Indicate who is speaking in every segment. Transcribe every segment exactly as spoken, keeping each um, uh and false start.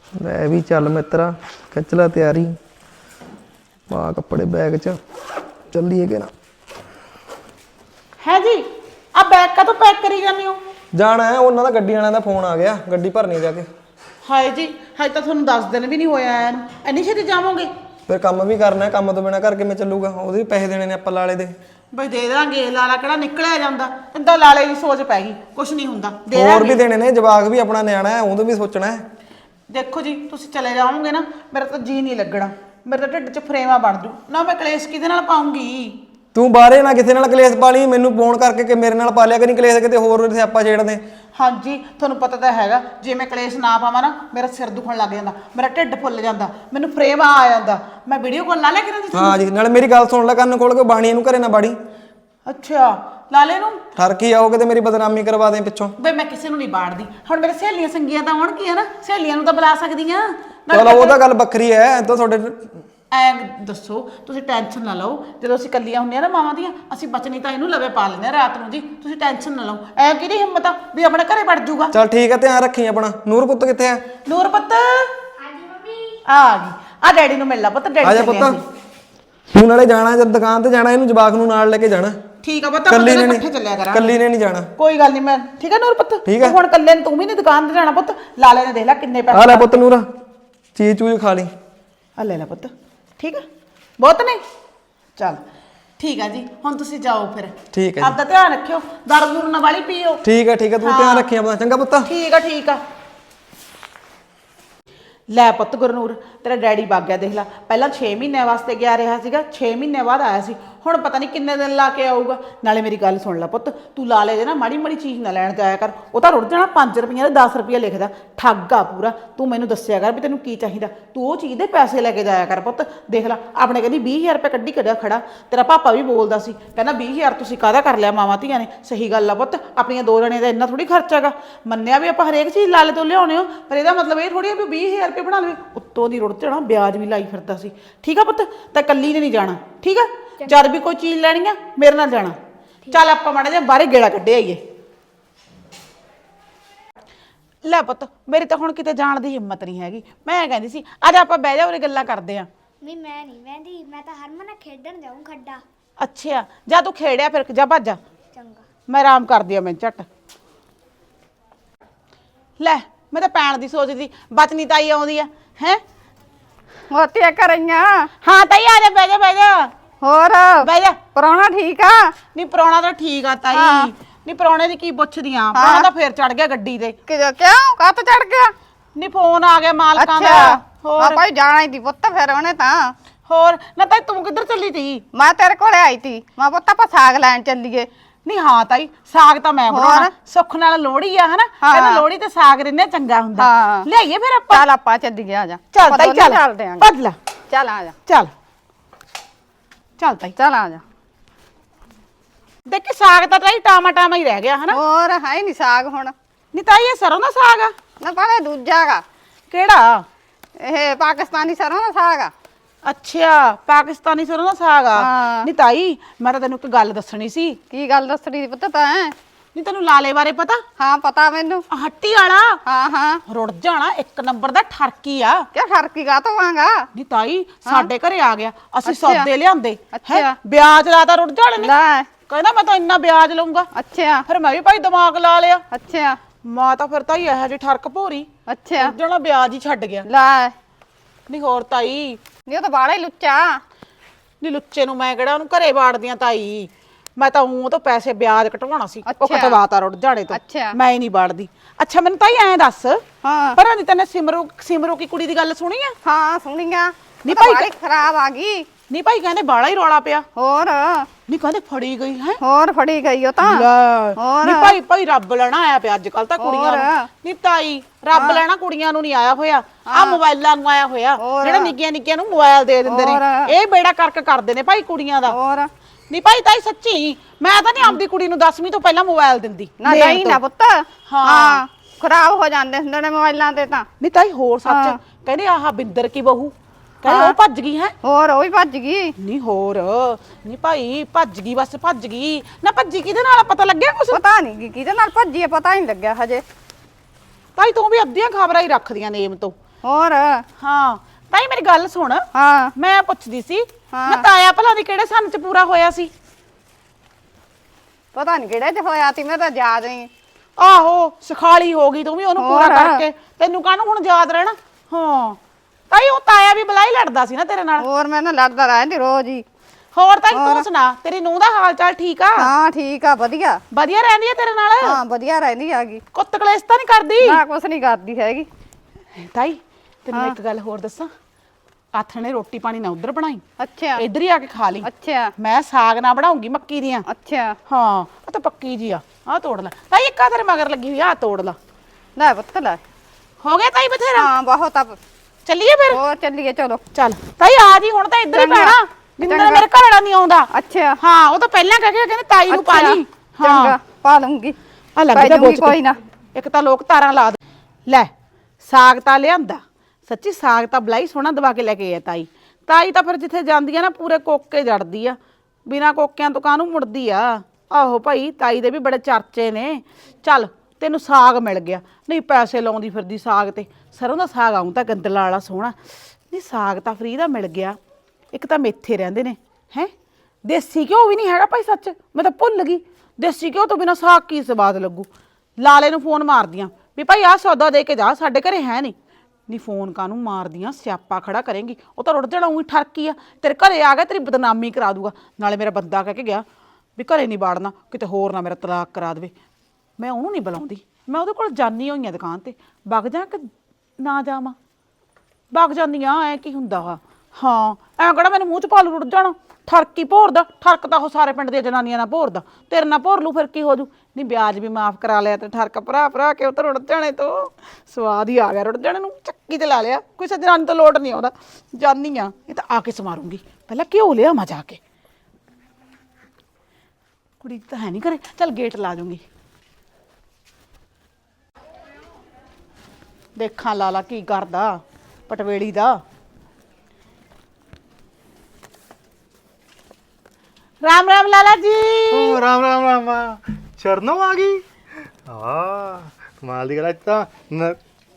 Speaker 1: ਲੈ ਵੀ ਚੱਲ ਮਿੱਤਰਾ खिच ला तैयारी पा कपड़े बैग च चलिए के ना
Speaker 2: है जी अब बैग का तो पैक करी जानी हो
Speaker 1: जाना है उन्होंने का गड्डी वाले का फोन आ गया गड्डी भरनी जाके
Speaker 2: हाय जी हाय तो थोड़ा दस दिन भी नहीं होया आया इन्नी छेती जावोगे
Speaker 1: फिर काम भी करना है काम तो बिना करके मैं चलूगा वो भी पैसे देने ने आप लाले दे
Speaker 2: बई दे देंगे लाला किहड़ा निकलिया जांदा इदां लाले की सोच पै गई कुछ नहीं हुंदा दे
Speaker 1: और भी देने ने जवाक भी अपना न्याणा है उहदे भी सोचना है
Speaker 2: देखो जी तुसीं चले जाओगे ना मेरा तो जी नहीं लगना मेरे तो ढिड च फरेवा बन जू ना मैं कलेश किहदे नाल पाऊंगी
Speaker 1: तू बाहरे ना किसी नाल कलेश पा ली मैनू फोन करके कि मेरे नाल पा लिया करी कलेश किते होर सियापा छेड़दे
Speaker 2: हाँ जी तुहानूं पता तो हैगा जे मैं कलेश ना पावां ना मेरा सिर दुखण लग जांदा मेरा ढिड फुੱਲ जांदा मैनू फरेवा आ जांदा मैं वीडियो कॉल ला लिया करां
Speaker 1: हाँ जी नाले मेरी गल सुन ले कन्न खोल के बाणी नूं घरे ना बाड़ी
Speaker 2: अच्छा लाले नूं
Speaker 1: ठरकी आओगे ते मेरी बदनामी करवा दे पिछों
Speaker 2: बे मैं किसी नूं नहीं बाड़दी हुण मेरे सहेलियां संगीਆਂ ਤਾਂ ਆਉਣਗੀਆਂ ना सहेलियां ਨੂੰ ਤਾਂ ਬੁਲਾ ਸਕਦੀ ਆ
Speaker 1: चलो वो तो गल बखरी है तो थोड़े
Speaker 2: ਐ ਦੱਸੋ ਤੁਸੀਂ ਟੈਨਸ਼ਨ ਨਾ ਲਓ ਜਦੋਂ ਅਸੀਂ ਕੱਲੀਆਂ ਹੁੰਦੀਆਂ ਨਾ ਮਾਵਾਂ ਦੀਆਂ ਅਸੀਂ ਬਚਨੀ ਤਾਂ ਇਹਨੂੰ ਲਵੇ ਪਾ ਲੈਂਦੇ ਆ ਰਾਤ ਨੂੰ ਜੀ ਤੁਸੀਂ ਟੈਨਸ਼ਨ ਨਾ ਲਓ ਐ ਕਿਹਦੀ ਹਿੰਮਤ ਆ ਵੀ ਆਪਣੇ ਘਰੇ ਵੜ ਜਾਊਗਾ
Speaker 1: चल ठीक है ध्यान रखी अपना नूर पुत्त किथे है
Speaker 2: ਨੂਰ ਪੁੱਤ ਹਾਂਜੀ ਮੰਮੀ ਆ ਗਈ ਆ ਡੈਡੀ ਨੂੰ ਮਿਲ ਲਾ ਪੁੱਤ ਡੈਡੀ
Speaker 1: आजा पुत्त तू नाले जाना जब दुकान ते जाना इनू जवाक नूं नाल लेके जाना
Speaker 2: ठीक है पुत्त ਆਪਾਂ ਇਕੱਠੇ ਚੱਲਿਆ ਕਰਾਂਗੇ
Speaker 1: कल्ली ने नहीं जाना
Speaker 2: ਕੋਈ ਗੱਲ ਨਹੀਂ ਮੈਂ ਠੀਕ ਹੈ ਨੂਰ ਪੁੱਤ
Speaker 1: ठीक है
Speaker 2: ਹੁਣ ਕੱਲੇ ਨੂੰ ਤੂੰ ਵੀ ਨਹੀਂ ਦੁਕਾਨ ਤੇ ਜਾਣਾ ਪੁੱਤ ਲਾਲੇ ਨੇ ਦੇਖ ਲੈ ਕਿੰਨੇ ਪੈਸੇ
Speaker 1: आ ले पुत्त नूरा चीज चूज खा ली
Speaker 2: ਆ ਲੈ ਲੈ ਪੁੱਤ ਠੀਕ ਹੈ ਬਹੁਤ ਨੇ ਚੱਲ ਠੀਕ ਹੈ ਜੀ ਹੁਣ ਤੁਸੀਂ ਜਾਓ ਫਿਰ
Speaker 1: ठीक है
Speaker 2: ਆਪਦਾ ਧਿਆਨ ਰੱਖਿਓ ਦਾਰੂ ਦੂਰੂ ਨਾ ਵਾਲੀ ਪੀਓ
Speaker 1: ठीक है ठीक है तू ध्यान रखी अपना चंगा पुत्त
Speaker 2: ਠੀਕ ਆ ਠੀਕ ਆ ਲੈ ਪੁੱਤ ਗੁਰਨੂਰ ਤੇਰਾ ਡੈਡੀ ਵਗ ਗਿਆ ਦੇਖ ਲੈ ਪਹਿਲਾਂ ਛੇ ਮਹੀਨਿਆਂ ਵਾਸਤੇ ਗਿਆ ਰਿਹਾ ਸੀਗਾ ਛੇ ਮਹੀਨੇ ਬਾਅਦ ਆਇਆ ਸੀ ਹੁਣ ਪਤਾ ਨਹੀਂ ਕਿੰਨੇ ਦਿਨ ਲਾ ਕੇ ਆਊਗਾ ਨਾਲੇ ਮੇਰੀ ਗੱਲ ਸੁਣ ਲੈ ਪੁੱਤ ਤੂੰ ਲਾ ਲੈ ਜੇ ਨਾ ਮਾੜੀ ਮਾੜੀ ਚੀਜ਼ ਨਾ ਲੈਣ ਜਾਇਆ ਕਰ ਉਹ ਤਾਂ ਰੁੜ ਜਾਣਾ ਪੰਜ ਰੁਪਈਆ ਦੇ ਦਸ ਰੁਪਈਆ ਲਿਖਦਾ ਠੱਗ ਆ ਪੂਰਾ ਤੂੰ ਮੈਨੂੰ ਦੱਸਿਆ ਕਰ ਵੀ ਤੈਨੂੰ ਕੀ ਚਾਹੀਦਾ ਤੂੰ ਉਹ ਚੀਜ਼ ਦੇ ਪੈਸੇ ਲੈ ਕੇ ਜਾਇਆ ਕਰ ਪੁੱਤ ਦੇਖ ਲੈ ਆਪਣੇ ਕਹਿੰਦੀ ਵੀਹ ਹਜ਼ਾਰ ਰੁਪਏ ਕੱਢੀ ਕੱਢਿਆ ਖੜਾ ਤੇਰਾ ਪਾਪਾ ਵੀ ਬੋਲਦਾ ਸੀ ਕਹਿੰਦਾ ਵੀਹ ਹਜ਼ਾਰ ਤੁਸੀਂ ਕਾਹਦਾ ਕਰ ਲਿਆ ਮਾਵਾਂ ਧੀਆਂ ਨੇ ਸਹੀ ਗੱਲ ਆ ਪੁੱਤ ਆਪਣੀਆਂ ਦੋ ਜਣੇ ਦਾ ਇੰਨਾ ਥੋੜੀ ਖਰਚਾ ਹੈਗਾ ਮੰਨਿਆ ਵੀ ਆਪਾਂ ਹਰੇਕ ਚੀਜ਼ ਲਾਲੇ ਤੋਂ ਲਿਆਉਣੇ ਹੋ ਪਰ ਇਹਦਾ ਮਤਲਬ ਇਹ ਥੋੜੀ ਆ ਵੀ ਵੀਹ ਹਜ਼ਾਰ ਰੁਪਏ ਬਣਾ ਲਵੇ ਉੱਤੋਂ ਦੀ ਰੁੜ ਜਾਣਾ ਵਿਆਜ ਵੀ ਲਾਈ ਫਿਰਦਾ ਸੀ ਠੀਕ ਆ ਪੁੱਤ ਤਾਂ ਕੱਲੀ ਨੇ ਨਹੀਂ ਜਾਣਾ ਠੀਕ ਆ ਜਦ ਵੀ ਕੋਈ ਚੀਜ਼ ਲੈਣੀ ਆ ਮੇਰੇ ਨਾਲ ਜਾਣਾ ਚੱਲ ਆਪਾਂ ਮਾੜਾ ਜਿਹਾ ਬਾਹਰੇ ਗੇੜਾ ਕੱਢੇ ਆਈਏ ਲੈ ਪੁੱਤ ਮੇਰੀ ਤਾਂ ਹੁਣ ਕਿਤੇ ਜਾਣ ਦੀ ਹਿੰਮਤ ਨਹੀਂ ਹੈਗੀ ਮੈਂ ਕਹਿੰਦੀ ਸੀ ਅੱਜ ਆਪਾਂ ਬਹਿ ਜਾ ਉਰੇ ਗੱਲਾਂ ਕਰਦੇ ਆ
Speaker 3: ਨਹੀਂ ਮੈਂ ਨਹੀਂ ਬਹਿੰਦੀ ਮੈਂ ਤਾਂ ਹਰਮਨ ਨਾਲ ਖੇਡਣ ਜਾਊਂ ਖੱਡਾ
Speaker 2: ਅੱਛਾ ਜਾ ਤੂੰ ਖੇੜਿਆ ਫਿਰ ਜਾ ਭੱਜ ਜਾ
Speaker 3: ਚੰਗਾ
Speaker 2: ਮੈਂ ਆਰਾਮ ਕਰਦੀ ਆ ਮੈਂ ਝੱਟ ਲੈ ਮੈਂ ਤਾਂ ਪੈਣ ਦੀ ਸੋਚਦੀ ਬਚਨੀ ਤਾਈ ਆਉਂਦੀ ਆ ਹੈ
Speaker 4: ਮੋਤੀਆਂ ਕਰੀਆਂ
Speaker 2: ਹਾਂ ਤਾਈ ਆ ਜਾ ਬਹਿ ਜਾ ਬਹਿ ਜਾ
Speaker 4: ਹੋਰ
Speaker 2: ਬਹਿ ਜਾ
Speaker 4: ਪਰੌਣਾ ਠੀਕ ਆ
Speaker 2: ਨਹੀਂ ਪ੍ਰਾਹੁਣਾ ਤਾਂ ਠੀਕ ਆ ਤਾਈ ਨਹੀਂ ਪ੍ਰਾਹੁਣੇ ਦੀ ਕੀ ਪੁੱਛਦੀਆਂ ਪ੍ਰਾਹੁਣਾ ਤਾਂ ਫੇਰ ਚੜ ਗਿਆ ਗੱਡੀ ਤੇ
Speaker 4: ਕਿ ਕਿਉਂ ਕੱਤ ਚੜ ਗਿਆ
Speaker 2: ਨਹੀਂ ਫੋਨ ਆ ਗਿਆ ਮਾਲਕਾਂ ਦਾ
Speaker 4: ਅੱਛਾ
Speaker 2: ਹੋਰ
Speaker 4: ਹਾਂ ਭਾਈ ਜਾਣਾ ਹੀ ਦੀ ਪੁੱਤ ਫਿਰ ਉਹਨੇ ਤਾਂ
Speaker 2: ਹੋਰ ਨਾ ਤਾਈ ਤੂੰ ਕਿੱਧਰ ਚੱਲੀ ਤੀ
Speaker 4: ਮੈਂ ਤੇਰੇ ਕੋਲੇ ਆਈ ਤੀ ਮੈਂ ਪੁੱਤ ਆਪਾਂ ਸਾਗ ਲੈਣ ਚੱਲੀਏ
Speaker 2: ਨਹੀਂ ਹਾਂ ਤਾਈ ਸਾਗ ਤਾਂ ਮੈਂ ਬਣਾਉਣਾ ਸੁੱਖ ਨਾਲ ਲੋਹੜੀ ਆ ਹਨਾ ਕਹਿੰਦਾ ਲੋਹੜੀ ਤੇ ਸਾਗ ਰਿੰਨੇ ਚੰਗਾ ਹੁੰਦਾ ਲਿਆਈਏ ਫਿਰ ਆਪਾਂ
Speaker 4: ਚੱਲ ਆਪਾਂ ਚੱਲੀਏ ਆ ਜਾ
Speaker 2: ਚੱਲ ਤਾਈ ਚੱਲ
Speaker 4: ਚੱਲਦੇ ਆਂ
Speaker 2: ਭੱਜ ਲੈ
Speaker 4: ਚੱਲ ਆ ਜਾ
Speaker 2: ਚੱਲ ਚੱਲ ਤਾਈ
Speaker 4: ਚੱਲ ਆ ਜਾ
Speaker 2: ਦੇਖੀ ਸਾਗ ਤਾਂ ਤਾਈ ਟਾਮਾ ਟਾਮਾ ਹੀ ਰਹਿ ਗਿਆ ਹਨਾ
Speaker 4: ਹੋਰ ਹੈ ਹੀ ਨਹੀਂ ਸਾਗ ਹੁਣ
Speaker 2: ਨਹੀਂ ਤਾਈ ਇਹ ਸਰੋਂ ਦਾ ਸਾਗ ਆ
Speaker 4: ਨਾ ਪਾਲੇ ਦੂਜਾ ਗਾ
Speaker 2: ਕਿਹੜਾ
Speaker 4: ਇਹ ਪਾਕਿਸਤਾਨੀ ਸਰੋਂ ਦਾ ਸਾਗ ਆ
Speaker 2: ਅੱਛਾ ਪਾਕਿਸਤਾਨੀ ਸਰੋਂ ਦਾ ਸਾਗ ਆ
Speaker 4: ਹਾਂ।
Speaker 2: ਨਹੀਂ ਤਾਈ ਮੈਂ ਤਾਂ ਤੈਨੂੰ ਇੱਕ ਗੱਲ ਦੱਸਣੀ ਸੀ
Speaker 4: ਕੀ ਗੱਲ ਦੱਸਣੀ ਪੁੱਤ ਤਾਂ
Speaker 2: ਨਹੀਂ ਤੈਨੂੰ ਲਾਲੇ ਬਾਰੇ ਪਤਾ
Speaker 4: ਹਾਂ ਪਤਾ ਮੈਨੂੰ
Speaker 2: ਆਹ ਹੱਟੀ ਵਾਲਾ
Speaker 4: ਹਾਂ ਹਾਂ
Speaker 2: ਰੁੜ ਜਾਣਾ ਇੱਕ ਨੰਬਰ ਦਾ ਠਰਕੀ ਆ
Speaker 4: ਕਿਆ ਠਰਕੀ ਗਾ ਤੋਂ ਆਂਗਾ
Speaker 2: ਨਹੀਂ ਤਾਈ ਸਾਡੇ ਘਰੇ ਆ ਗਿਆ ਅਸੀਂ
Speaker 4: ਅੱਛਾ।
Speaker 2: ਸੌਦੇ ਲਿਆਂਦੇ
Speaker 4: ਅੱਛਾ।
Speaker 2: ਹੈਂ, ਵਿਆਜ ਲਾਤਾ ਰੁੜ ਜਾਣੇ ਨੇ
Speaker 4: ਲੈ
Speaker 2: ਕਹਿੰਦਾ ਮੈਂ ਤਾਂ ਇੰਨਾ ਵਿਆਜ ਲਊਂਗਾ
Speaker 4: ਅੱਛਾ
Speaker 2: ਫਿਰ ਮੈਂ ਵੀ ਭਾਈ ਦਿਮਾਗ ਲਾ ਲਿਆ
Speaker 4: ਅੱਛਾ
Speaker 2: ਮਾਂ ਤਾਂ ਫਿਰ ਤਾਈ ਇਹੋ ਜਿਹੀ ਠਰਕ ਭੋਰੀ
Speaker 4: ਅੱਛਾ
Speaker 2: ਰੁੜ ਜਾਣਾ ਵਿਆਜ ਹੀ ਛੱਡ ਗਿਆ
Speaker 4: ਲੈ
Speaker 2: ਨਹੀਂ ਹੋਰ ਤਾਈ
Speaker 4: ਨਹੀਂ ਉਹ ਤਾਂ ਬਾੜਾ ਹੀ ਲੁੱਚਾ
Speaker 2: ਨਹੀਂ ਲੁੱਚੇ ਨੂੰ ਮੈਂ ਕਿਹੜਾ ਉਹਨੂੰ ਘਰੇ ਵਾੜਦੀਆਂ ਤਾਈ ਮੈਂ ਤਾਂ ਉਹ ਤੋਂ ਪੈਸੇ ਵਿਆਜ ਕਟਵਾਉਣਾ ਸੀ ਉਹ
Speaker 4: ਅੱਛਾ।
Speaker 2: ਕਟਵਾਤਾ ਰੁੜ ਜਾਣੇ ਤੋਂ
Speaker 4: ਅੱਛਾ।
Speaker 2: ਮੈਂ ਹੀ ਨਹੀਂ ਵਾੜਦੀ ਅੱਛਾ ਮੈਨੂੰ ਤਾਈ ਐਂ ਦੱਸ
Speaker 4: ਹਾਂ
Speaker 2: ਪਰ ਨਹੀਂ ਤੈਨੇ ਸਿਮਰੂ ਸਿਮਰੂ ਕੀ ਕੁੜੀ ਦੀ ਗੱਲ ਸੁਣੀ ਆ
Speaker 4: ਹਾਂ ਸੁਣੀਆਂ
Speaker 2: ਨੀ
Speaker 4: ਨੀ
Speaker 2: ਭਾਈ
Speaker 4: ਭਾਈ ਖਰਾਬ ਆ ਗਈ
Speaker 2: ਨਹੀਂ ਭਾਈ ਕਹਿੰਦੇ ਬਾਲਾ ਹੀ ਰੌਲਾ ਪਿਆ
Speaker 4: ਹੋਰ
Speaker 2: ਨਹੀਂ ਕਹਿੰਦੇ ਫੜੀ ਗਈ ਹੈ
Speaker 4: ਹੋਰ ਫੜੀ ਗਈ ਉਹ ਤਾਂ
Speaker 2: ਲੈ
Speaker 4: ਹੋਰ।
Speaker 2: ਨਹੀਂ ਭਾਈ ਭਾਈ ਰੱਬ ਲੈਣਾ ਆਇਆ ਪਿਆ ਅੱਜ ਕੱਲ ਤਾਂ ਕੁੜੀਆਂ ਨੂੰ
Speaker 4: ਹੋਰ।
Speaker 2: ਨਹੀਂ ਤਾਈ ਰੱਬ ਲੈਣਾ ਕੁੜੀਆਂ ਨੂੰ ਨਹੀਂ ਆਇਆ ਹੋਇਆ ਆ ਮੋਬਾਈਲਾਂ ਨੂੰ ਆਇਆ ਹੋਇਆ
Speaker 4: ਹੋਰ।
Speaker 2: ਜਿਹੜਾ ਨਿੱਕੀਆਂ ਨਿੱਕੀਆਂ ਨੂੰ ਮੋਬਾਈਲ ਦੇ ਦਿੰਦੇ ਨੇ
Speaker 4: ਹੋਰ।
Speaker 2: ਇਹ ਬੇੜਾ ਕਰਕ ਕਰਦੇ ਨੇ ਭਾਈ ਕੁੜੀਆਂ ਦਾ
Speaker 4: ਹੋਰ
Speaker 2: ਨਹੀਂ ਭਾਈ ਤਾਈ ਸੱਚੀ ਮੈਂ ਤਾਂ ਨਹੀਂ ਆਪਦੀ ਕੁੜੀ ਨੂੰ ਦਸਵੀਂ ਤੋਂ ਪਹਿਲਾਂ ਮੋਬਾਈਲ ਦਿੰਦੀ
Speaker 4: ਨਾ
Speaker 2: ਦੇਣ
Speaker 4: ਨਹੀਂ
Speaker 2: ਤੋਂ।
Speaker 4: ਨਾ ਪੁੱਤ ਹਾਂ ਖਰਾਬ ਹੋ ਜਾਂਦੇ ਹੁੰਦੇ ਨੇ ਮੋਬਾਈਲਾਂ ਤੇ ਤਾਂ
Speaker 2: ਨਹੀਂ ਤਾਈ ਹੋਰ ਸੱਚ ਕਹਿੰਦੇ ਆਹ ਬਿੰਦਰ ਕੀ ਬਹੂ ਕਹਿੰਦੇ ਉਹ ਭੱਜ ਗਈ ਹੈ
Speaker 4: ਹੋਰ ਉਹ ਵੀ ਭੱਜ ਗਈ
Speaker 2: ਨਹੀਂ ਹੋਰ ਨਹੀਂ ਭਾਈ ਭੱਜ ਗਈ ਬਸ ਭੱਜ ਗਈ ਨਾ ਭੱਜੀ ਕਿਹਦੇ ਨਾਲ ਪਤਾ ਲੱਗਿਆ ਕੁਛ
Speaker 4: ਪਤਾ ਨਹੀਂ ਕਿਹਦੇ ਨਾਲ ਭੱਜੀ ਹੈ ਪਤਾ ਨਹੀਂ ਲੱਗਿਆ ਹਜੇ
Speaker 2: ਤਾਈ ਤੂੰ ਵੀ ਅੱਧੀਆਂ ਖਬਰਾਂ ਹੀ ਰੱਖਦੀਆਂ ਨੇਮ ਤੋਂ
Speaker 4: ਹੋਰ
Speaker 2: ਹਾਂ ਤਾਈ ਮੇਰੀ ਗੱਲ ਸੁਣ
Speaker 4: ਹਾਂ
Speaker 2: ਮੈਂ ਪੁੱਛਦੀ ਸੀ
Speaker 4: ਹਾਂ।
Speaker 2: ਮੈਂ ਤਾਇਆ ਭਲਾ ਦੀ ਕਿਹੜੇ ਸੰਨ ਚ ਪੂਰਾ ਹੋਇਆ ਸੀ?
Speaker 4: ਪਤਾ ਨਹੀਂ ਕਿਹੜੇ ਚ ਹੋਇਆ ਸੀ, ਮੈਂ ਤਾਂ ਯਾਦ ਨਹੀਂ।
Speaker 2: ਆਹੋ ਸਖਾਲੀ ਹੋ ਗਈ ਤੂੰ ਵੀ ਉਹਨੂੰ ਪੂਰਾ
Speaker 4: ਹੋਰ।
Speaker 2: ਕਰਕੇ, ਤੈਨੂੰ ਕਾਹਨੂੰ ਹੁਣ ਯਾਦ ਰਹਿਣਾ। ਹਾਂ ਤਾਈ ਉਹ ਤਾਇਆ ਵੀ ਬਲਾ ਹੀ ਲੜਦਾ ਸੀ ਨਾ ਤੇਰੇ ਨਾਲ।
Speaker 4: ਹੋਰ ਮੈਂ ਨਾ ਲੜਦਾ ਰਹਿੰਦੀ ਰੋਜ਼ ਹੀ।
Speaker 2: ਹੋਰ ਤਾਈ ਤੂੰ ਸੁਣਾ, ਤੇਰੀ ਨੂੰਹ ਦਾ ਹਾਲ ਚਾਲ ਠੀਕ ਆ?
Speaker 4: ਹਾਂ ਠੀਕ ਆ, ਵਧੀਆ।
Speaker 2: ਵਧੀਆ ਰਹਿੰਦੀ ਆ ਤੇਰੇ ਨਾਲ?
Speaker 4: ਹਾਂ ਵਧੀਆ ਰਹਿੰਦੀ ਆਗੀ।
Speaker 2: ਕੁੱਤ ਕਲੇਸ਼ ਤਾਂ ਨਹੀਂ ਕਰਦੀ?
Speaker 4: ਨਾ ਕੁਛ ਨਹੀਂ ਕਰਦੀ ਹੈਗੀ।
Speaker 2: ਤਾਈ ਤੈਨੂੰ ਮੈਂ ਇੱਕ ਗੱਲ ਹੋਰ ਦੱਸਾਂ, ਆਥਣੇ ਰੋਟੀ ਪਾਣੀ ਨਾ ਉਧਰ ਬਣਾਈ,
Speaker 4: ਅੱਛਾ
Speaker 2: ਇੱਧਰ ਹੀ ਆ ਕੇ ਖਾ ਲਈ।
Speaker 4: ਅੱਛਾ
Speaker 2: ਮੈਂ ਸਾਗ ਨਾ ਬਣਾਉਂਗੀ ਮੱਕੀ ਦੀਆਂ।
Speaker 4: ਅੱਛਾ
Speaker 2: ਹਾਂ ਉਹ ਤਾਂ ਪੱਕੀ ਜੀ ਆ। ਆਹ ਤੋੜ ਲੈ ਤਾਈ, ਇੱਕ ਆ ਤੇਰੇ ਮਗਰ ਲੱਗੀ ਹੋਈ ਆ, ਆਹ ਤੋੜ ਲੈ।
Speaker 4: ਲੈ ਪੁੱਤ ਲੈ।
Speaker 2: ਹੋ ਗਿਆ ਤਾਈ ਬਥੇਰਾ?
Speaker 4: ਹਾਂ ਬਹੁਤ ਆ।
Speaker 2: ਚੱਲੀਏ ਫਿਰ?
Speaker 4: ਹੋਰ ਚੱਲੀਏ ਚਲੋ।
Speaker 2: ਚੱਲ ਤਾਈ ਆ ਜੀ, ਹੁਣ ਤਾਂ ਇੱਧਰ ਹੀ
Speaker 4: ਚੰਗਾ।
Speaker 2: ਪੈਣਾ, ਜਿੰਨਾ ਮੇਰੇ ਘਰ ਵਾਲਾ ਨਹੀਂ ਆਉਂਦਾ।
Speaker 4: ਅੱਛਾ
Speaker 2: ਹਾਂ ਉਹ ਤਾਂ ਪਹਿਲਾਂ ਕਹਿ ਕੇ ਕਹਿੰਦੇ ਤਾਈ ਨੂੰ ਪਾ ਲਈ।
Speaker 4: ਚੰਗਾ ਪਾ ਲੂੰਗੀ।
Speaker 2: ਆ ਲੱਗ
Speaker 4: ਪਾ
Speaker 2: ਜਾ
Speaker 4: ਦੂੰਗੀ,
Speaker 2: ਬੋਚ
Speaker 4: ਕੋਈ ਨਾ।
Speaker 2: ਇੱਕ ਤਾਂ ਲੋਕ ਤਾਰਾਂ ਲਾ ਦੇ। ਲੈ ਸਾਗ ਤਾਂ ਲਿਆਂਦਾ, ਸੱਚੀ ਸਾਗ ਤਾਂ ਬਲਾਈ ਸੋਹਣਾ ਦਵਾ ਕੇ ਲੈ ਕੇ ਆਇਆ ਤਾਈ। ਤਾਈ ਤਾਂ ਫਿਰ ਜਿੱਥੇ ਜਾਂਦੀ ਆ ਨਾ ਪੂਰੇ ਕੋਕੇ ਜੜਦੀ ਆ, ਬਿਨਾ ਕੋਕਿਆਂ ਤੋਂ ਕਾਹਨੂੰ ਮੁੜਦੀ ਆ। ਆਹੋ ਭਾਈ ਤਾਈ ਦੇ ਵੀ ਬੜੇ ਚਰਚੇ ਨੇ। ਚੱਲ ਤੈਨੂੰ ਸਾਗ ਮਿਲ ਗਿਆ, ਨਹੀਂ ਪੈਸੇ ਲਾਉਂਦੀ ਫਿਰਦੀ ਸਾਗ ਤੇ। ਸਰੋਂ ਦਾ ਸਾਗ ਆਉਂ ਤਾਂ ਗੰਦਲਾ ਵਾਲਾ ਸੋਹਣਾ, ਨਹੀਂ ਸਾਗ ਤਾਂ ਫਰੀ ਦਾ ਮਿਲ ਗਿਆ। ਇੱਕ ਤਾਂ ਮੇਥੇ ਰਹਿੰਦੇ ਨੇ ਹੈ, ਦੇਸੀ ਘਿਓ ਵੀ ਨਹੀਂ ਹੈਗਾ ਭਾਈ, ਸੱਚ ਮੈਂ ਤਾਂ ਭੁੱਲ ਗਈ। ਦੇਸੀ ਘਿਓ ਤੋਂ ਬਿਨਾਂ ਸਾਗ ਕੀ ਸਵਾਦ ਲੱਗੂ। ਲਾਲੇ ਨੂੰ ਫੋਨ ਮਾਰਦੀਆਂ ਵੀ ਭਾਈ ਆਹ ਸੌਦਾ ਦੇ ਕੇ ਜਾ, ਸਾਡੇ ਘਰੇ ਹੈ ਨਹੀਂ। ਨਹੀਂ ਫੋਨ ਕਾਹਨੂੰ ਮਾਰਦੀਆਂ, ਸਿਆਪਾ ਖੜਾ ਕਰੇਂਗੀ। ਉਹ ਤਾਂ ਰੁੜ ਜਾਣਾ, ਉਹੀ ਠਰਕੀ ਆ। ਤੇਰੇ ਘਰੇ ਆ ਗਿਆ ਤੇਰੀ ਬਦਨਾਮੀ ਕਰਾ ਦੂਗਾ। ਨਾਲੇ ਮੇਰਾ ਬੰਦਾ ਕਹਿ ਕੇ ਗਿਆ ਵੀ ਘਰੇ ਨਹੀਂ ਬਾੜਨਾ, ਕਿਤੇ ਹੋਰ ਨਾ ਮੇਰਾ ਤਲਾਕ ਕਰਾ ਦੇਵੇ। ਮੈਂ ਉਹਨੂੰ ਨਹੀਂ ਬੁਲਾਉਂਦੀ, ਮੈਂ ਉਹਦੇ ਕੋਲ ਜਾਨੀ ਹੋਈ ਆ ਦੁਕਾਨ ਤੇ। ਵਗ ਜਾ ਕਿ ਨਾ ਜਾਵਾਂ? ਵਗ ਜਾਂਦੀ ਆ, ਐ ਕੀ ਹੁੰਦਾ ਵਾ। ਹਾਂ ਐਂ ਕਿਹੜਾ ਮੈਨੂੰ ਮੂੰਹ ਚ ਪਾਲੂ ਰੁੜ ਜਾਣਾ। ਠਰਕੀ ਭੋਰਦਾ, ਠਰਕ ਤਾਂ ਉਹ ਸਾਰੇ ਪਿੰਡ ਦੀਆਂ ਜਨਾਨੀਆਂ ਨਾਲ ਭੋਰਦਾ, ਤੇਰੇ ਨਾਲ ਭੋਰ ਲੂ ਫਿਰ ਕੀ ਹੋ ਜੂ। ਨਹੀਂ ਵਿਆਜ ਵੀ ਮਾਫ ਕਰਾ ਲਿਆ ਤੇ ਠਰਕ ਭਰਾ ਭਰਾ ਕੇ ਉਹ ਤਾਂ ਰੁੜ ਜਾਣੇ ਤੋਂ ਸਵਾਦ ਹੀ ਆ ਗਿਆ। ਰੁੜ ਜਾਣੇ ਨੂੰ ਚੱਕੀ ਤੇ ਲਾ ਲਿਆ, ਕੋਈ ਜਨਾਨੀ ਤੋਂ ਲੋਟ ਨਹੀਂ ਆਉਂਦਾ। ਜਾਨੀ ਆ, ਇਹ ਤਾਂ ਆ ਕੇ ਸਮਾਰੂੰਗੀ। ਪਹਿਲਾਂ ਘਿਓ ਲਿਆ ਮੈਂ ਜਾ ਕੇ। ਕੁੜੀ ਤਾਂ ਹੈ ਨਹੀਂ ਘਰੇ, ਚੱਲ ਗੇਟ ਲਾ ਜੂੰਗੀ। ਦੇਖਾਂ ਲਾਲਾ ਕੀ ਕਰਦਾ ਪਟਵੇੜੀ ਦਾ। राम राम लाला जी।
Speaker 5: ओ राम राम राम चरणों आ गई। हाँ कमाल दी गल अज तां न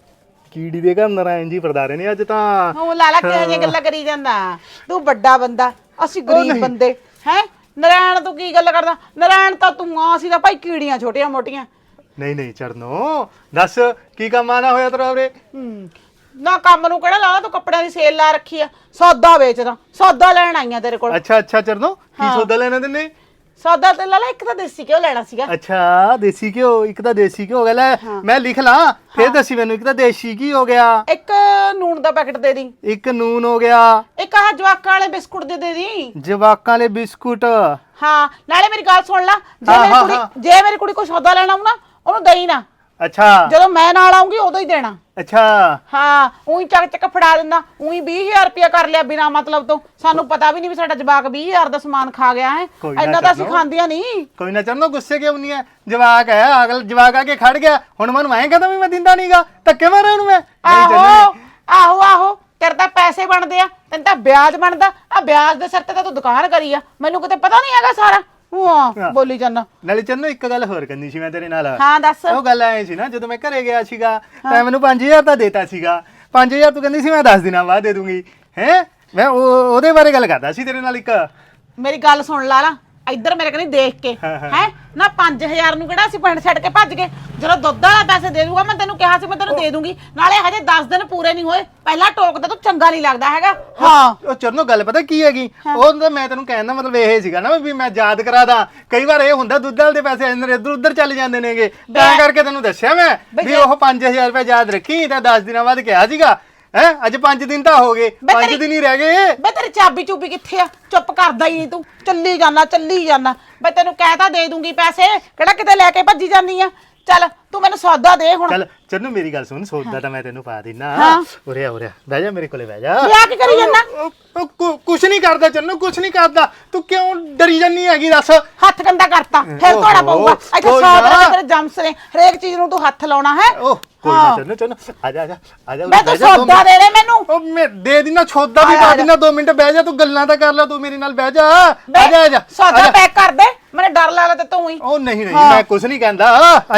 Speaker 5: कीड़ी दे घर नारायण जी परदारे ने अज तां।
Speaker 2: ਉਹ ਲਾਲਾ ਕਿਹੋ ਜਿਹੀਆਂ ਗੱਲਾਂ ਕਰੀ ਜਾਂਦਾ, ਤੂੰ ਵੱਡਾ ਬੰਦਾ ਅਸੀਂ ਗਰੀਬ ਬੰਦੇ ਹੈ। ਨਰਾਇਣ ਤੂੰ ਕੀ ਗੱਲ ਕਰਦਾ? ਨਰਾਇਣ ਤਾਂ ਤੂੰ ਆ, ਅਸੀਂ ਤਾਂ ਭਾਈ ਕੀੜੀਆਂ ਛੋਟੀਆਂ ਮੋਟੀਆਂ।
Speaker 5: नहीं नहीं चरणों दस की काम आना होया तेरा रे।
Speaker 2: ਹੂੰ ਨਾ ਕੰਮ ਨੂੰ ਕਿਹੜਾ ਲਾਲਾ, ਤੂੰ ਕੱਪੜਿਆਂ ਦੀ ਸੇਲ ਲਾ ਰੱਖੀ ਆ। ਸੌਦਾ ਵੇਚਦਾ, ਸੌਦਾ ਲੈਣ ਆਈਆਂ ਤੇਰੇ ਕੋਲ।
Speaker 5: अच्छा अच्छा चरणों की सौदा लेना तेने?
Speaker 2: ਸੌਦਾ ਤੇ ਲਾਲਾ ਇੱਕ ਤਾਂ ਦੇਸੀ ਘਿਓ ਲੈਣਾ ਸੀਗਾ।
Speaker 5: अच्छा देसी घ्यो, एक तां देसी घ्यो हो गया। लै मैं लिख ला फिर दसी मैनू। एक तां देसी घी हो गया,
Speaker 2: ਇੱਕ ਨੂਣ ਦਾ ਪੈਕਟ ਦੇ ਦੀ,
Speaker 5: एक नून हो गया,
Speaker 2: ਇੱਕ ਆਹ ਜਵਾਕਾਂ ਵਾਲੇ ਬਿਸਕੁਟ ਦੇ ਦੇ ਦੀ।
Speaker 5: जवाकां वाले बिस्कुट।
Speaker 2: ਹਾਂ ਨਾਲੇ ਮੇਰੀ ਗੱਲ ਸੁਣ ਲੈ, ਜੇ
Speaker 5: ਹਾਂ,
Speaker 2: ਮੇਰੀ
Speaker 5: ਹਾਂ,
Speaker 2: ਕੁੜੀ
Speaker 5: ਹਾਂ।
Speaker 2: ਜੇ ਮੇਰੀ ਕੁੜੀ ਕੋਈ ਸੌਦਾ ਲੈਣਾ ਆਉ ਨਾ, ਉਹਨੂੰ ਦੇਈ ਨਾ।
Speaker 5: अच्छा
Speaker 2: ਜਦੋਂ ਮੈਂ ਨਾਲ ਆਉਂਗੀ ਉਦੋਂ ਹੀ ਦੇਣਾ।
Speaker 5: अच्छा
Speaker 2: ਹਾਂ ਉਹੀ ਚੱਕ ਚੱਕ ਫੜਾ ਦਿੰਦਾ, ਉਹੀ ਵੀਹ ਹਜ਼ਾਰ ਰੁਪਇਆ ਕਰ ਲਿਆ ਬਿਨਾ ਮਤਲਬ ਤੋਂ। ਸਾਨੂੰ ਪਤਾ ਵੀ ਨਹੀਂ ਵੀ ਸਾਡਾ ਜਵਾਕ ਵੀਹ ਹਜ਼ਾਰ ਦਾ ਸਮਾਨ ਖਾ ਗਿਆ ਹੈ।
Speaker 5: ਕੋਈ ਨਾ
Speaker 2: ਇੰਨਾ ਤਾਂ ਅਸੀਂ
Speaker 5: ਚਰਨੋ।
Speaker 2: ਖਾਂਦੀਆਂ ਨਹੀਂ।
Speaker 5: कोई ना चरणों गुस्से क्यों नहीं है? जवाक है अगल जवाक आके खड़ गया हुण मैं मैं कहता भी मैं दिंदा नहींगा, धक्के मारे ਉਹਨੂੰ मैं। नहीं
Speaker 2: ਆਹੋ
Speaker 5: चरणों
Speaker 2: ਆਹੋ ਆਹੋ ਤੇਰੇ ਤਾਂ ਪੈਸੇ ਬਣਦੇ ਆ, ਤੈਨੂੰ ਤਾਂ ਵਿਆਜ ਬਣਦਾ ਆ। ਵਿਆਜ ਦੇ ਸਿਰ ਤੇ ਤਾਂ ਤੂੰ ਦੁਕਾਨ ਕਰੀ ਆ, ਮੈਨੂੰ ਕਿਤੇ ਪਤਾ ਨਹੀਂ ਹੈਗਾ ਸਾਰਾ। ਹਾਂ ਬੋਲੀ ਜਾਂਦਾ।
Speaker 5: ਨਾਲੇ ਚੰਨੋ ਇੱਕ ਗੱਲ ਹੋਰ ਕਰਨੀ ਸੀ ਮੈਂ ਤੇਰੇ ਨਾਲ।
Speaker 2: ਹਾਂ ਦੱਸ।
Speaker 5: ਉਹ ਗੱਲ ਐ ਸੀ ਨਾ, ਜਦੋਂ ਮੈਂ ਘਰੇ ਗਿਆ ਸੀਗਾ ਤਾਂ ਮੈਨੂੰ ਪੰਜ ਹਜ਼ਾਰ ਤਾਂ ਦੇਤਾ ਸੀਗਾ। ਪੰਜ ਹਜ਼ਾਰ ਤੂੰ ਕਹਿੰਦੀ ਸੀ ਮੈਂ ਦਸ ਦਿਨਾਂ ਬਾਅਦ ਦੇ ਦੂੰਗੀ ਹੈ। ਮੈਂ ਉਹ ਉਹਦੇ ਬਾਰੇ ਗੱਲ ਕਰਦਾ ਸੀ ਤੇਰੇ ਨਾਲ। ਇੱਕ
Speaker 2: ਮੇਰੀ ਗੱਲ ਸੁਣ ਲਾ ਲਾ ਇੱਧਰ ਮੇਰੇ ਕਨੀ ਦੇਖ ਕੇ ਹੈ ਨਾ। ਪੰਜ ਹਜ਼ਾਰ ਨੂੰ ਕਿਹੜਾ ਅਸੀਂ ਪਿੰਡ ਛੱਡ ਕੇ ਭੱਜ ਗਏ? ਜਦੋਂ ਦੁੱਧ ਵਾਲਾ ਪੈਸੇ ਦੇ ਦੂਗਾ, ਮੈਂ ਤੈਨੂੰ ਕਿਹਾ ਸੀ ਮੈਂ ਤੈਨੂੰ ਦੇ ਦੂੰਗੀ। ਨਾਲੇ ਹਜੇ ਦਸ ਦਿਨ ਪੂਰੇ ਨਹੀਂ ਹੋਏ, ਪਹਿਲਾਂ ਟੋਕਦਾ ਤੂੰ ਚੰਗਾ ਨਹੀਂ ਲੱਗਦਾ ਹੈਗਾ। ਹਾਂ
Speaker 5: ਉਹ ਚਰਨੋ ਗੱਲ ਪਤਾ ਕੀ ਹੈਗੀ, ਉਹ ਤਾਂ ਮੈਂ ਤੈਨੂੰ ਕਹਿਣ ਦਾ ਮਤਲਬ ਇਹ ਸੀਗਾ ਨਾ ਵੀ ਮੈਂ ਯਾਦ ਕਰਾਦਾ। ਕਈ ਵਾਰ ਇਹ ਹੁੰਦਾ ਦੁੱਧ ਵਾਲੇ ਦੇ ਪੈਸੇ ਇੱਧਰ ਉੱਧਰ ਚੱਲ ਜਾਂਦੇ ਨੇਗੇ, ਤਾਂ ਕਰਕੇ ਤੈਨੂੰ ਦੱਸਿਆ ਮੈਂ ਵੀ ਉਹ ਪੰਜ ਹਜ਼ਾਰ ਰੁਪਏ ਯਾਦ ਰੱਖੀ। ਤਾਂ ਦਸ ਦਿਨਾਂ ਬਾਅਦ ਕਿਹਾ ਸੀਗਾ ਹੈ। ਅੱਜ ਪੰਜ ਦਿਨ ਤਾਂ ਹੋ ਗਏ, ਪੰਜ ਦਿਨ ਹੀ ਰਹਿ ਗਏ।
Speaker 2: ਬੇ ਤੇਰੀ ਚਾਬੀ ਚੂਬੀ ਕਿੱਥੇ ਆ? ਚੁੱਪ ਕਰਦਾ ਹੀ ਨਹੀਂ ਤੂੰ, ਚੱਲੀ ਜਾਣਾ ਚੱਲੀ ਜਾਣਾ। ਬੇ ਤੈਨੂੰ ਕਹਿਤਾ ਦੇ ਦੂੰਗੀ ਪੈਸੇ, ਕਿਹੜਾ ਕਿਤੇ ਲੈ ਕੇ ਭੱਜੀ ਜਾਂਦੀ ਆ। ਚੱਲ ਤੂੰ ਮੈਨੂੰ ਸੌਦਾ ਦੇ ਹੁਣ।
Speaker 5: ਚੱਲ ਚੰਨੂ ਮੇਰੀ ਗੱਲ ਸੁਣ, ਸੌਦਾ ਤਾਂ ਮੈਂ ਤੈਨੂੰ ਪਾ ਦਿੰਨਾ।
Speaker 2: ਹਾਂ।
Speaker 5: ਉਰੇ ਆ ਉਰੇ ਆ, ਬਹਿ ਜਾ ਮੇਰੇ ਕੋਲੇ ਬਹਿ ਜਾ।
Speaker 2: ਲਿਆ ਕੀ ਕਰੀ ਜਾਂਦਾ?
Speaker 5: ਉਹ- ਉਹ ਕੁ- ਕੁਛ ਨਹੀਂ ਕਰਦਾ ਚੰਨੂ, ਕੁਛ ਨਹੀਂ ਕਰਦਾ। ਤੂੰ ਕਿਉਂ ਡਰੀ ਜਾਂਦੀ ਹੈਗੀ ਦੱਸ?
Speaker 2: ਹੱਥ ਗੰਦਾ ਕਰਤਾ ਫਿਰ
Speaker 5: ਓਹੋ,
Speaker 2: ਧੋਣਾ ਪਊਗਾ। ਇੱਥੇ
Speaker 5: ਕੋਈ
Speaker 2: ਸੌ
Speaker 5: ਨਾ।
Speaker 2: ਤਰ੍ਹਾਂ ਦੇ ਤੇਰੇ ਜੰਮਸ ਨੇ, ਹਰੇਕ ਚੀਜ਼ ਨੂੰ ਤੂੰ ਹੱਥ ਲਾਉਣਾ ਹੈ।
Speaker 5: ਉਹ ਕੋਈ ਨਾ ਚੰਨੂ ਚੰਨੂ ਆ ਜਾ ਆ ਜਾ ਆ ਜਾ।
Speaker 2: ਮੈਂ ਤੂੰ ਸੌਦਾ ਦੇ ਦੇ ਮੈਨੂੰ।
Speaker 5: ਉਹ ਮੈਂ ਦੇ ਦਿਨਾ ਸੌਦਾ ਵੀ
Speaker 2: ਆ
Speaker 5: ਪਾ
Speaker 2: ਜਾ।
Speaker 5: ਦਿਨਾ। ਦੋ ਮਿੰਟ ਬਹਿ ਜਾ, ਤੂੰ ਗੱਲਾਂ ਤਾਂ ਕਰ ਲੈ। ਤੂੰ ਮੇਰੇ ਨਾਲ ਬਹਿ ਜਾ।
Speaker 2: ਬੇ,
Speaker 5: ਆ ਜਾ ਆ ਜਾ
Speaker 2: ਸੌਦਾ ਪੈਕ ਕਰ ਦੇ, ਮੈਨੂੰ ਡਰ ਲੱਗਦਾ ਤੇ ਤੂੰ ਹੀ।
Speaker 5: ਉਹ ਨਹੀਂ ਨਹੀਂ
Speaker 2: ਹਾਂ।
Speaker 5: ਮੈਂ ਕੁਛ ਨਹੀਂ ਕਹਿੰਦਾ। ਆ ਜਾ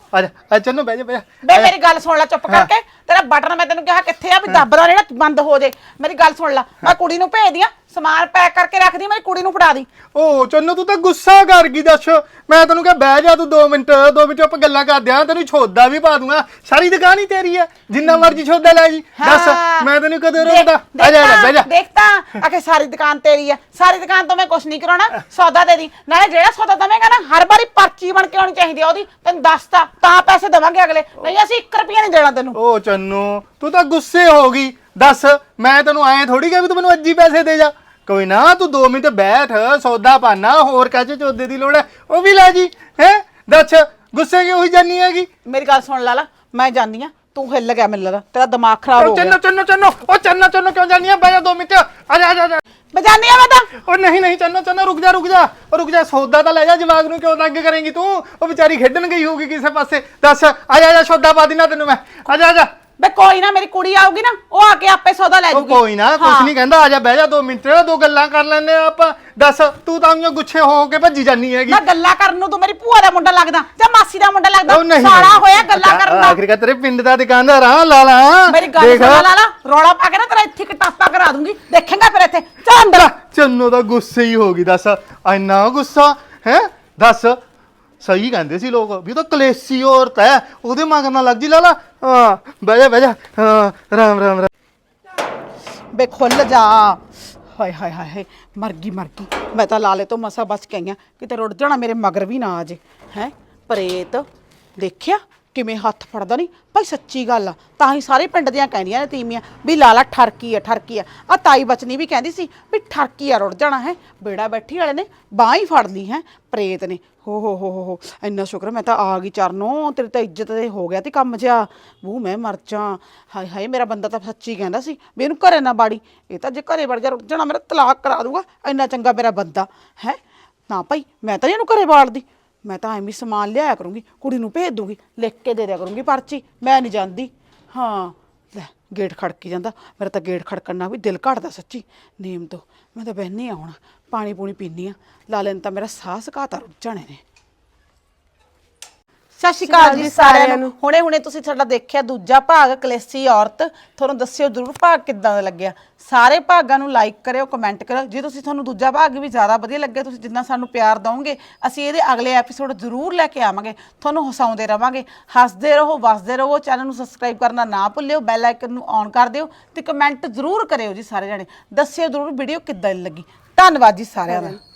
Speaker 5: ਆ ਜਾ ਆ ਚੰਨੋ ਬਹਿ ਜਾ ਬਹਿ ਜਾ
Speaker 2: ਬੇ ਮੇਰੀ ਗੱਲ ਸੁਣ ਲੈ ਚੁੱਪ ਕਰਕੇ ਤੇਰਾ ਬਟਨ ਮੈਂ ਤੈਨੂੰ ਕਿਹਾ ਕਿੱਥੇ ਆ ਵੀ ਦੱਬਦਾ ਜਿਹੜਾ ਬੰਦ ਹੋ ਜੇ ਮੇਰੀ ਗੱਲ ਸੁਣ ਲੈ ਮੈਂ ਕੁੜੀ ਨੂੰ ਭੇਜਦੀ ਆ ਸਮਾਨ ਪੈਕ ਕਰਕੇ ਰੱਖਦੀ ਮੇਰੀ ਕੁੜੀ ਨੂੰ ਫੜਾ ਦੀ
Speaker 5: ਓ ਚੰਨੋ ਤੂੰ ਤਾਂ ਗੁੱਸਾ ਕਰ ਗਈ ਦੱਸ ਮੈਂ ਤੈਨੂੰ ਕਿਹਾ ਬਹਿ ਜਾ ਤੂੰ ਦੋ ਮਿੰਟ ਦੋ ਮਿੰਟ ਆਪਾਂ ਗੱਲਾਂ ਕਰਦੇ ਆ ਤੈਨੂੰ ਛੋਦਾ ਵੀ ਪਾ ਦੂੰਗਾ ਸਾਰੀ ਦੁਕਾਨ ਹੀ ਤੇਰੀ ਹੈ ਜਿੰਨਾ ਮਰਜ਼ੀ ਛੋਦਾ ਲੈ ਜੀ ਦੱਸ ਮੈਂ ਤੈਨੂੰ ਕਦੋਂ ਰੋਕਦਾ ਆ ਜਾ ਬਹਿ ਜਾ
Speaker 2: ਦੇਖ ਤਾਂ ਆਖੇ ਸਾਰੀ ਦੁਕਾਨ ਤੇਰੀ ਆ ਸਾਰੀ ਦੁਕਾਨ ਤੋਂ ਮੈਂ ਕੁਛ ਨਹੀਂ ਕਰਾਉਣਾ ਸੌਦਾ ਦੇ ਦੀ ਨਾਲੇ ਜਿਹੜਾ ਸੌਦਾ ਦਵੇਂਗਾ ਨਾ ਹਰ ਵਾਰੀ ਪਰਚੀ ਬਣ ਕੇ ਆਉਣੀ ਚਾਹੀਦੀ ਆ ਉਹਦੀ ਤੈਨੂੰ ਦੱਸਤਾ ਤਾਂ ਪੈਸੇ ਦੇਵਾਂਗੇ ਅਗਲੇ ਨਹੀਂ ਅਸੀਂ ਇੱਕ ਰੁਪਿਆ ਨਹੀਂ ਦੇਣਾ ਤੈਨੂੰ
Speaker 5: ਓ ਚੰਨੋ ਤੂੰ ਤਾਂ ਗੁੱਸੇ ਹੋ ਗਈ ਦੱਸ ਮੈਂ ਤੈਨੂੰ ਐਂ ਥੋੜੀ ਕਿਹਾ ਵੀ ਤੂੰ ਮੈਨੂੰ ਅੱਜ ਹੀ ਪੈਸੇ ਦੇ ਜਾ ਕੋਈ ਨਾ ਤੂੰ ਦੋ ਮਿੰਟ ਬੈਠ ਸੌਦਾ ਪਾਣਾ ਹੋਰ ਕਾਚੇ ਚੌਦੇ ਦੀ ਲੋੜ ਹੈ ਉਹ ਵੀ ਲੈ ਜੀ ਹੈ ਦੱਸ ਗੁੱਸੇ ਕਿਉਂ ਹੋਈ ਜਾਨੀ ਹੈਗੀ
Speaker 2: ਮੇਰੀ ਗੱਲ ਸੁਣ ਲਾ ਲਾ ਮੈਂ ਜਾਂਦੀ ਆ ਤੂੰ ਹਿੱਲ ਗਿਆ ਮੈਨੂੰ ਲੱਗਦਾ ਤੇਰਾ ਦਿਮਾਗ ਖਰਾਬ ਹੋ ਗਿਆ
Speaker 5: ਚੰਨੋ ਚੰਨੋ ਚੰਨੋ ਉਹ ਚੰਨੋ ਚੰਨੋ ਕਿਉਂ ਜਾਨੀ ਆ ਬਹਿ ਜਾ ਦੋ ਮਿੰਟ ਆ ਜਾ ਆ ਜਾ
Speaker 2: ਮੈਂ ਜਾਂਦੀ ਆ ਮੈਂ ਤਾਂ
Speaker 5: ਉਹ ਨਹੀਂ ਨਹੀਂ ਚੰਨੋ ਚੰਨੋ ਰੁਕ ਜਾ ਰੁਕ ਜਾ ਉਹ ਰੁਕ ਜਾ ਸੌਦਾ ਤਾਂ ਲੈ ਜਾ ਜਵਾਗ ਨੂੰ ਕਿਉਂ ਤੰਗ ਕਰੇਂਗੀ ਤੂੰ ਉਹ ਵਿਚਾਰੀ ਖੇਡਣ ਗਈ ਹੋਊਗੀ ਕਿਸੇ ਪਾਸੇ ਦੱਸ ਆ ਜਾ ਆ ਜਾ ਸੌਦਾ ਪਾ ਦੇਣਾ ਤੈਨੂੰ ਮੈਂ ਆ ਜਾ ਆ ਜਾ
Speaker 2: ਬੇ ਕੋਈ ਨਾ ਮੇਰੀ ਕੁੜੀ ਆਊਗੀ ਨਾ ਉਹ ਆ ਕੇ ਆਪੇ ਸੌਦਾ ਲੈ
Speaker 5: ਉਹ
Speaker 2: ਜੂਗੀ
Speaker 5: ਕੋਈ ਨਾ ਕੁਛ ਨਹੀਂ ਕਹਿੰਦਾ ਆ ਜਾ ਬਹਿ ਜਾ ਦੋ ਮਿੰਟ ਦੋ ਗੱਲਾਂ ਕਰ ਲੈਂਦੇ ਆ ਆਪਾਂ ਦੱਸ ਤੂੰ ਤਾਂ ਉਹਨੂੰ ਗੁੱਸੇ ਹੋ ਕੇ ਭੱਜੀ ਜਾਨੀ ਹੈਗੀ
Speaker 2: ਨਾ ਗੱਲਾਂ ਕਰਨ ਨੂੰ ਤੂੰ ਮੇਰੀ ਭੂਆ ਦਾ ਮੁੰਡਾ ਲੱਗਦਾ ਜਾਂ ਮਾਸੀ ਦਾ ਮੁੰਡਾ
Speaker 5: ਉਹ
Speaker 2: ਲੱਗਦਾ
Speaker 5: ਨਹੀਂ
Speaker 2: ਸਾਲਾ ਹੋਇਆ ਗੱਲਾਂ ਕਰਨ ਦਾ
Speaker 5: ਆਖਿਰ ਤੇਰੇ ਪਿੰਡ ਦਾ ਦੁਕਾਨਦਾਰ ਆ ਲਾ ਲਾ
Speaker 2: ਮੇਰੀ ਗੱਲ ਸੁਣ ਲਾ ਲਾ ਰੌਲਾ ਪਾ ਕੇ ਨਾ ਤੇਰਾ ਇੱਥੇ ਕਟਾਪਾ ਕਰਾ ਦੂੰਗੀ ਦੇਖੇਂਗਾ ਫਿਰ ਇੱਥੇ ਚੱਲ ਅੰਦਰ
Speaker 5: ਚੰਨੋ ਦਾ ਗੁੱਸੇ ਹੀ ਹੋ ਗਈ ਦੱਸ ਇੰਨਾ ਗੁੱਸਾ ਹੈ ਦੱਸ ਸਹੀ ਕਹਿੰਦੇ ਸੀ ਲੋਕ ਵੀ ਉਹ ਤਾਂ ਕਲੇਸੀ ਔਰਤ ਹੈ ਉਹਦੇ ਮਗਰ ਨਾ ਲੱਗ ਜੀ ਲਾ ਲਾ ਹਾਂ ਬਹਿ ਜਾ ਬਹਿ ਜਾ ਹਾਂ ਰਾਮ ਰਾਮ ਰਾਮ
Speaker 2: ਬੇ ਖੁੱਲ ਜਾ ਹਾਏ ਹਾਏ ਹਾਏ ਮਰ ਗਈ ਮਰ ਗਈ ਮੈਂ ਤਾਂ ਲਾਲੇ ਤੋਂ ਮਸਾ ਬਚ ਕੇ ਆਈਆਂ ਕਿਤੇ ਰੁੜ ਜਾਣਾ ਮੇਰੇ ਮਗਰ ਵੀ ਨਾ ਆ ਜੇ ਹੈ ਪ੍ਰੇਤ ਦੇਖਿਆ ਕਿਵੇਂ ਹੱਥ ਫੜਦਾ ਨਹੀਂ ਭਾਈ ਸੱਚੀ ਗੱਲ ਆ ਤਾਂ ਹੀ ਸਾਰੇ ਪਿੰਡ ਦੀਆਂ ਕਹਿੰਦੀਆਂ ਨੇ ਤੀਵੀਆਂ ਵੀ ਲਾਲਾ ਠਰਕੀ ਆ ਠਰਕੀ ਆ ਆ ਤਾਈ ਬਚਨੀ ਵੀ ਕਹਿੰਦੀ ਸੀ ਵੀ ਠਰਕੀ ਆ ਰੁੜ ਜਾਣਾ ਹੈ ਬੇੜਾ ਬੈਠੀ ਵਾਲੇ ਨੇ ਬਾਂਹ ਹੀ ਫੜ ਲਈ ਹੈ ਪ੍ਰੇਤ ਨੇ ਹੋ ਹੋ ਹੋ ਹੋ ਇੰਨਾ ਸ਼ੁਕਰ ਮੈਂ ਤਾਂ ਆ ਗਈ ਚਰਨੋਂ ਤੇਰੀ ਤਾਂ ਇੱਜ਼ਤ ਤੇ ਹੋ ਗਿਆ ਤੇ ਕੰਮ ਜਿਹਾ ਵੂ ਮੈਂ ਮਰ ਜਾ ਹਾਏ ਹਾਏ ਮੇਰਾ ਬੰਦਾ ਤਾਂ ਸੱਚੀ ਕਹਿੰਦਾ ਸੀ ਵੀ ਇਹਨੂੰ ਘਰੇ ਨਾ ਬਾੜੀ ਇਹ ਤਾਂ ਜੇ ਘਰੇ ਵੜ ਜਾ ਰੁੜ ਜਾਣਾ ਮੇਰਾ ਤਲਾਕ ਕਰਾ ਦੂਗਾ ਇੰਨਾ ਚੰਗਾ ਮੇਰਾ ਬੰਦਾ ਹੈ ਨਾ ਭਾਈ ਮੈਂ ਤਾਂ ਇਹਨੂੰ ਘਰੇ ਬਾੜਦੀ ਮੈਂ ਤਾਂ ਐਵੇਂ ਸਮਾਨ ਲਿਆਇਆ ਕਰੂੰਗੀ ਕੁੜੀ ਨੂੰ ਭੇਜ ਦੂੰਗੀ ਲਿਖ ਕੇ ਦੇ ਦਿਆ ਕਰੂੰਗੀ ਪਰਚੀ ਮੈਂ ਨਹੀਂ ਜਾਂਦੀ ਹਾਂ ਲੈ ਗੇਟ ਖੜਕੀ ਜਾਂਦਾ ਮੇਰਾ ਤਾਂ ਗੇਟ ਖੜਕਣ ਨਾਲ ਵੀ ਦਿਲ ਘਟਦਾ ਸੱਚੀ ਨੇਮ ਤੋਂ ਮੈਂ ਤਾਂ ਬਹਿਨੀ ਆ ਹੁਣ ਪਾਣੀ ਪੂਣੀ ਪੀਨੀ ਆ ਲਾਲੇ ਨੇ ਤਾਂ ਮੇਰਾ ਸਾਹ ਸੁਕਾਤਾ ਰੁੱਝ ਜਾਣੇ ਨੇ ਸਤਿ ਸ਼੍ਰੀ ਅਕਾਲ ਜੀ ਸਾਰਿਆਂ ਨੂੰ ਹੁਣੇ ਹੁਣੇ ਤੁਸੀਂ ਸਾਡਾ ਦੇਖਿਆ ਦੂਜਾ ਭਾਗ ਕਲੇਸੀ ਔਰਤ ਤੁਹਾਨੂੰ ਦੱਸਿਓ ਜ਼ਰੂਰ ਭਾਗ ਕਿੱਦਾਂ ਦਾ ਲੱਗਿਆ ਸਾਰੇ ਭਾਗਾਂ ਨੂੰ ਲਾਈਕ ਕਰਿਓ ਕਮੈਂਟ ਕਰਿਓ ਜੇ ਤੁਸੀਂ ਤੁਹਾਨੂੰ ਦੂਜਾ ਭਾਗ ਵੀ ਜ਼ਿਆਦਾ ਵਧੀਆ ਲੱਗਿਆ ਤੁਸੀਂ ਜਿੰਨਾ ਸਾਨੂੰ ਪਿਆਰ ਦਿਓਗੇ ਅਸੀਂ ਇਹਦੇ ਅਗਲੇ ਐਪੀਸੋਡ ਜ਼ਰੂਰ ਲੈ ਕੇ ਆਵਾਂਗੇ ਤੁਹਾਨੂੰ ਹਸਾਉਂਦੇ ਰਵਾਂਗੇ ਹੱਸਦੇ ਰਹੋ ਵਸਦੇ ਰਹੋ ਚੈਨਲ ਨੂੰ ਸਬਸਕ੍ਰਾਈਬ ਕਰਨਾ ਨਾ ਭੁੱਲਿਓ ਬੈਲ ਆਈਕਨ ਨੂੰ ਔਨ ਕਰ ਦਿਓ ਤੇ ਕਮੈਂਟ ਜ਼ਰੂਰ ਕਰਿਓ ਜੀ ਸਾਰੇ ਜਣੇ ਦੱਸਿਓ ਜ਼ਰੂਰ ਵੀਡੀਓ ਕਿੱਦਾਂ ਲੱਗੀ ਧੰਨਵਾਦ ਜੀ ਸਾਰਿਆਂ ਦਾ